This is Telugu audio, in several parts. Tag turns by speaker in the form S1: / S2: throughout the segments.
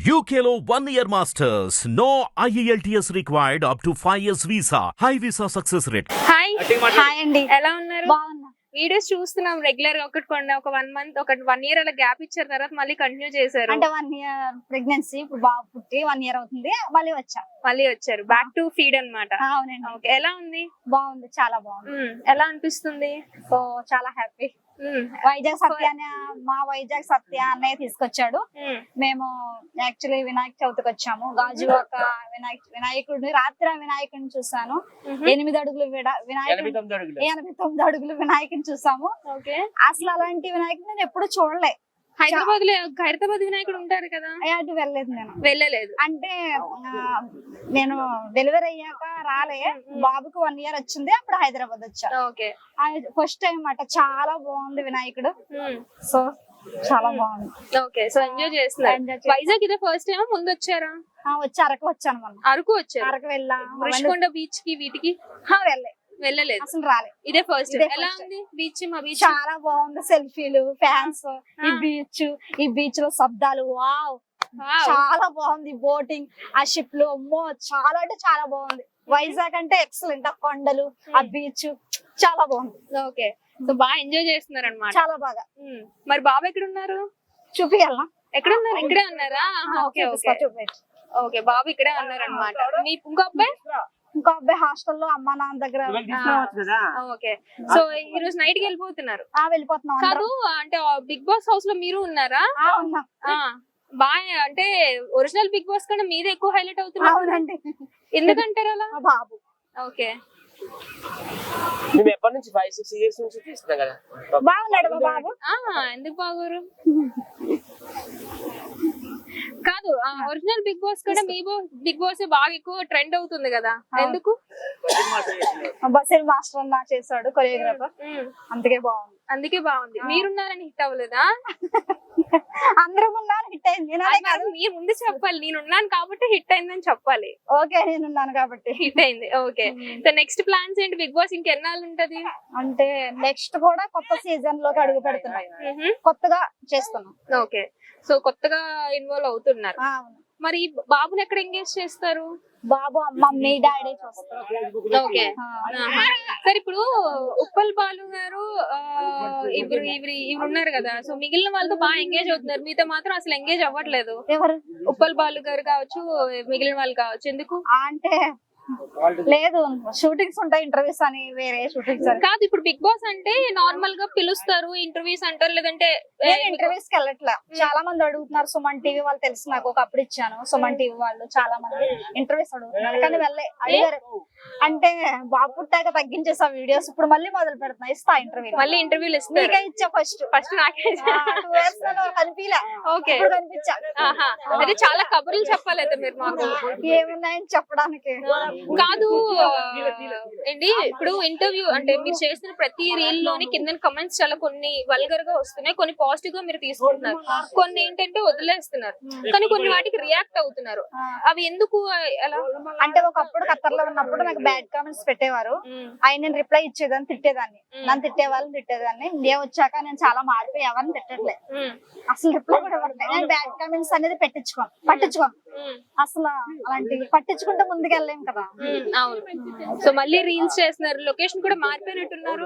S1: UKLO 1 year masters. No IELTS required up to 5 years visa. High visa success rate.
S2: Hi
S3: hi అండి.
S2: ఎలా ఉన్నారు?
S3: బాగున్నా.
S2: వీడియోస్ చూస్తున్నాం రెగ్యులర్ గా ఒకటి కొన్ని ఒక 1 మంత్ ఒక 1 ఇయర్ అలా గ్యాప్ ఇచ్చారు తర్వాత మళ్ళీ కంటిన్యూ చేశారు.
S3: అంటే 1 ఇయర్ ప్రెగ్నెన్సీ, ఇప్పుడు బాబు పుట్టి 1 ఇయర్ అవుతుంది, మళ్ళీ వచ్చా.
S2: మళ్ళీ వచ్చారు బ్యాక్ టు ఫీడ్ అన్నమాట.
S3: అవునండి.
S2: ఓకే, ఎలా ఉంది?
S3: బాగుంది, చాలా బాగుంది.
S2: ఎలా అనిపిస్తుంది?
S3: సో చాలా హ్యాపీ. వైజాగ్ సత్య మా వైజాగ్ సత్య అన్నయ్య తీసుకొచ్చాడు. మేము యాక్చువల్లీ వినాయక చవితికి వచ్చాము. గాజువాక వినాయకుడిని రాత్రి వినాయకుడిని చూసాను. 8 అడుగులు వినాయకుడు, 89 అడుగులు వినాయకుడిని చూసాము. అసలు అలాంటి వినాయకుడు నేను ఎప్పుడు చూడలే.
S2: హైదరాబాద్ వినాయకుడు ఉంటారు కదా,
S3: అటు వెళ్ళలేదు. నేను
S2: వెళ్ళలేదు.
S3: అంటే నేను డెలివరీ అయ్యాక రాలే, బాబుకి 1 ఇయర్ వచ్చింది, అప్పుడు హైదరాబాద్ వచ్చా. ఫస్ట్ టైం అన్నమాట. చాలా బాగుంది వినాయకుడు. సో చాలా బాగుంది.
S2: ఓకే, సో ఎంజాయ్ చేస్తున్నారు. వైజాగ్ ఇదే ఫస్ట్ టైం, ముందు వచ్చారా?
S3: వచ్చి అరకు వచ్చాను. మనం
S2: అరకు వచ్చారు.
S3: అరకు వెళ్ళా.
S2: ఋషికొండ బీచ్ కి వీటికి వెళ్ళలేదు,
S3: అసలు రాలే.
S2: ఇదే ఫస్ట్. ఎలా ఉంది బీచ్? మా బీచ్
S3: చాలా బాగుంది. సెల్ఫీలు, ఫ్యాన్స్, ఈ బీచ్ లో శబ్దాలు, వావ్ చాలా బాగుంది. బోటింగ్, ఆ షిప్ లో, అమ్మో చాలా అంటే చాలా బాగుంది. వైజాగ్ అంటే ఎక్సలెంట్. ఆ కొండలు, ఆ బీచ్ చాలా బాగుంది.
S2: ఓకే, సో బాగా ఎంజాయ్ చేస్తున్నారు అన్నమాట.
S3: చాలా బాగా.
S2: మరి బాబు ఎక్కడ ఉన్నారు?
S3: చూపియాలా?
S2: ఎక్కడ ఉన్నారు? ఇక్కడే ఉన్నారా? ఓకే ఓకే ఓకే, బాబు ఇక్కడే ఉన్నారు అన్నమాట. మీ ఇంకో అబ్బాయి
S3: హాస్టల్లో అమ్మా నాన్న దగ్గర.
S2: ఓకే, సో ఈ రోజు నైట్ కి వెళ్ళిపోతున్నారు?
S3: వెళ్ళిపోతున్నాం.
S2: కాదు, అంటే బిగ్ బాస్ హౌస్ లో మీరు ఉన్నారా? బాగా అంటే ఒరిజినల్ బిగ్ బాస్ కన్నా మీదే ఎక్కువ హైలైట్ అవుతున్నారు. ఎందుకంటారు అలా?
S3: బాబు.
S2: ఓకే,
S4: మేము ఎప్పటి నుంచి 5-6 years నుంచి తీస్తున్నాం కదా.
S3: బాగున్నాడు బాబు.
S2: ఎందుకు బాగోరు? కాదు, ఒరిజినల్ బిగ్ బాస్ కూడా మీ బిగ్ బాస్ బాగా ఎక్కువ ట్రెండ్ అవుతుంది కదా, ఎందుకు?
S3: బసిల్ మాస్టర్ అన్న చేశాడు, కొరియోగ్రాఫర్. అందుకే బాగుంది.
S2: మీరున్నారని హిట్ అవ్వలేదా?
S3: అందరం ఉన్నారు, హిట్ అయింది.
S2: మీరు ముందు చెప్పాలి, నేనున్నాను కాబట్టి హిట్ అయిందని చెప్పాలి.
S3: ఓకే, నేనున్నాను కాబట్టి
S2: హిట్ అయింది. ఓకే, సో నెక్స్ట్ ప్లాన్స్ ఏంటి? బిగ్ బాస్ ఇంకెన్నాళ్ళు ఉంటది?
S3: అంటే నెక్స్ట్ కూడా కొత్త సీజన్ లోకి అడుగు పెడుతున్నాం, కొత్తగా చేస్తున్నాం.
S2: ఓకే, సో కొత్తగా ఇన్వాల్వ్ అవుతున్నారు. మరి బాబుని ఎక్కడ ఎంగేజ్ చేస్తారు?
S3: బాబు మమ్మీ డాడీ చూస్తారు.
S2: ఓకే, సరే. ఇప్పుడు ఉప్పల్ బాలు గారు ఇవి ఉన్నారు కదా, సో మిగిలిన వాళ్ళతో బాగా ఎంగేజ్ అవుతున్నారు, మీతో మాత్రం అసలు ఎంగేజ్ అవ్వట్లేదు.
S3: ఎవరు?
S2: ఉప్పల్ బాలు గారు కావచ్చు, మిగిలిన వాళ్ళు కావచ్చు. ఎందుకు
S3: అంటే లేదు, షూటింగ్స్ ఉంటాయి, ఇంటర్వ్యూస్ అని వేరే షూటింగ్స్
S2: కాదు. ఇప్పుడు బిగ్ బాస్ అంటే నార్మల్ గా పిలుస్తారు, ఇంటర్వ్యూస్ అంటారు, లేదంటే
S3: ఇంటర్వ్యూస్ కి వెళ్ళట్లా. చాలా మంది అడుగుతున్నారు. సుమన్ టీవీ వాళ్ళు తెలుసు నాకు, ఒకప్పుడు ఇచ్చాను. సుమన్ టీవీ వాళ్ళు చాలా మంది ఇంటర్వ్యూస్ అడుగుతున్నారు, కానీ అడిగారు. అంటే బాబు పుట్టాక తగ్గించేసా వీడియోస్, ఇప్పుడు మళ్ళీ మొదలు పెడుతున్నా. ఇస్తా ఇంటర్వ్యూ,
S2: మళ్ళీ ఇంటర్వ్యూలు ఇస్తా.
S3: ఇచ్చా ఫస్ట్ నాకే 2 years కనిపించలే.
S2: ఓకే,
S3: కనిపించా.
S2: అదే చాలా కబుర్లు చెప్పాలి అయితే మీరు మాకు.
S3: ఏమున్నాయని చెప్పడానికి
S2: కాదు అండి. ఇప్పుడు ఇంటర్వ్యూ అంటే మీరు చేసిన ప్రతి రీల్ లోని కింద కమెంట్స్ చాలా కొన్ని వల్గర్ గా వస్తున్నాయి, కొన్ని పాజిటివ్ గా మీరు తీసుకుంటున్నారు, కొన్ని ఏంటంటే వదిలేస్తున్నారు, కానీ కొన్ని వాటికి రియాక్ట్ అవుతున్నారు. అవి ఎందుకు అలా?
S3: అంటే ఒకప్పుడు ఖత్తర్లో ఉన్నప్పుడు నాకు బ్యాడ్ కామెంట్స్ పెట్టేవారు, ఆయన నేను రిప్లై ఇచ్చేదాన్ని, తిట్టేదాన్ని, నన్ను తిట్టేవాళ్ళని తిట్టేదాన్ని. ఇండియా వచ్చాక నేను చాలా మారిపోయి ఎవరిని తిట్టట్లే, అసలు రిప్లై కూడా ఇవ్వట్లేదు. నేను బ్యాడ్ కామెంట్స్ అనేది పట్టించుకోను అసలు. అలాంటివి పట్టించుకుంటే ముందుకెళ్ళలేం కదా.
S2: అవును, సో మళ్ళీ రీల్స్ చేస్తున్నారు, లొకేషన్ కూడా మారిపోయినట్టున్నారు.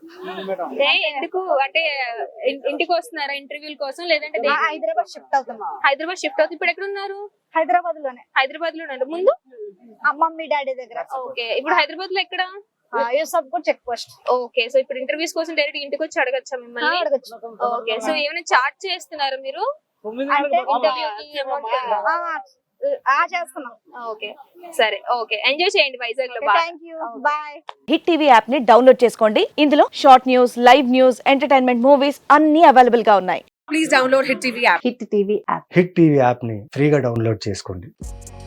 S2: ఎందుకు అంటే ఇంటికి వస్తున్నారా ఇంటర్వ్యూల కోసం, లేదంటే
S3: హైదరాబాద్ షిఫ్ట్ అవుతున్నాం?
S2: హైదరాబాద్ షిఫ్ట్ అవుతుంది. ఇప్పుడు ఎక్కడ ఉన్నారు?
S3: హైదరాబాద్ లో ఉన్నారు.
S2: ముందు
S3: మమ్మీ డాడీ దగ్గర.
S2: ఓకే, ఇప్పుడు హైదరాబాద్ లో ఎక్కడ?
S3: Yousufguda check post.
S2: Okay, so ఇప్పుడు ఇంటర్వ్యూస్ కోసం డైరెక్ట్ ఇంటికి వచ్చి అడగచ్చా మిమ్మల్ని?
S3: అడగచ్చు.
S2: ఓకే, సో ఏమైనా చార్జ్ చేస్తున్నారా మీరు?
S3: చేస్తున్నాం.
S2: ఓకే, సరే. ఓకే, ఎంజాయ్ చేయండి వైజాగ్ లో.
S3: Thank you, bye.
S5: Hit TV app ని డౌన్లోడ్ చేసుకోండి. ఇందులో short news, live news, entertainment movies అన్ని అవైలబుల్ గా ఉన్నాయి.
S6: Please download Hit TV app.
S5: Hit TV app.
S7: Hit TV app ని ఫ్రీగా డౌన్లోడ్ చేసుకోండి.